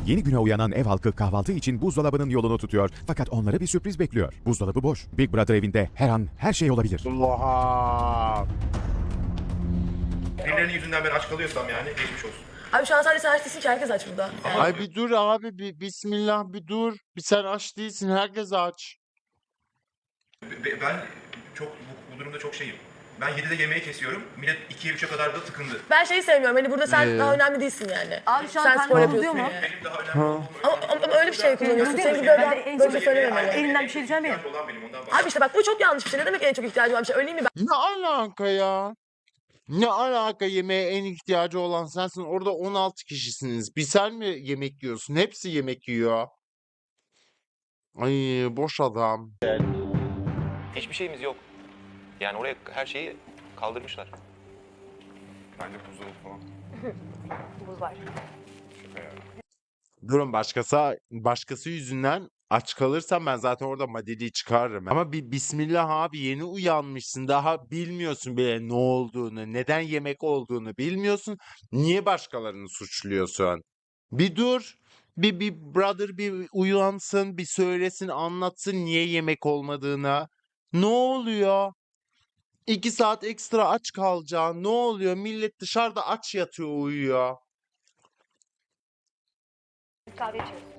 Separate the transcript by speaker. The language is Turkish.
Speaker 1: Yeni güne uyanan ev halkı kahvaltı için buzdolabının yolunu tutuyor. Fakat onları bir sürpriz bekliyor. Buzdolabı boş. Big Brother evinde her an her şey olabilir.
Speaker 2: Oha.
Speaker 3: Birilerinin yüzünden ben aç kalıyorsam yani geçmiş olsun.
Speaker 4: Abi şu an sadece sen aç değilsin ki, herkes aç burada.
Speaker 2: Ay bir dur abi, bir bismillah, bir dur. Bir sen aç değilsin, herkes aç.
Speaker 3: Ben çok bu durumda çok şeyim. Ben 7'de yemeği kesiyorum. Millet 2'ye 3'e kadar da tıkındı.
Speaker 4: Ben şeyi sevmiyorum. Hani burada sen daha önemli değilsin yani.
Speaker 5: Abi şu an
Speaker 4: sen
Speaker 5: karnın
Speaker 4: spor
Speaker 5: bozuluyor
Speaker 4: yapıyorsun
Speaker 5: mu?
Speaker 4: yani.
Speaker 3: Benim daha önemli olduğum
Speaker 4: Ama öyle bir şey kullanıyorsun.
Speaker 5: Öyle
Speaker 4: Senin
Speaker 5: değil mi?
Speaker 4: böyle,
Speaker 5: Ben de en
Speaker 4: böyle
Speaker 5: son-
Speaker 4: söylememeli.
Speaker 5: Elinden bir şey düşer mi?
Speaker 3: ihtiyaç olan benim ondan
Speaker 4: Abi
Speaker 3: bahsediyorum.
Speaker 4: işte bak bu çok yanlış bir şey. Ne demek en çok ihtiyacım olan bir şey? Öyle mi?
Speaker 2: Ne alaka ya? Ne alaka, yemeğe en ihtiyacı olan sensin. Orada 16 kişisiniz. Bir sen mi yemek yiyorsun? Hepsi yemek yiyor. Ay boş adam.
Speaker 6: Hiçbir şeyimiz yok. Yani oraya her şeyi kaldırmışlar.
Speaker 3: Bence buzdolabı falan.
Speaker 5: Buz var.
Speaker 2: Durun, başkası yüzünden aç kalırsam ben zaten orada madeliği çıkarırım. Ama bir bismillah abi, yeni uyanmışsın. Daha bilmiyorsun bile ne olduğunu, neden yemek olduğunu bilmiyorsun. Niye başkalarını suçluyorsun? Bir dur. Bir brother bir uyansın, bir söylesin, anlatsın niye yemek olmadığını. Ne oluyor? 2 saat ekstra aç kalacaksın. Ne oluyor? Millet dışarıda aç yatıyor, uyuyor.
Speaker 5: Kahve içiyoruz.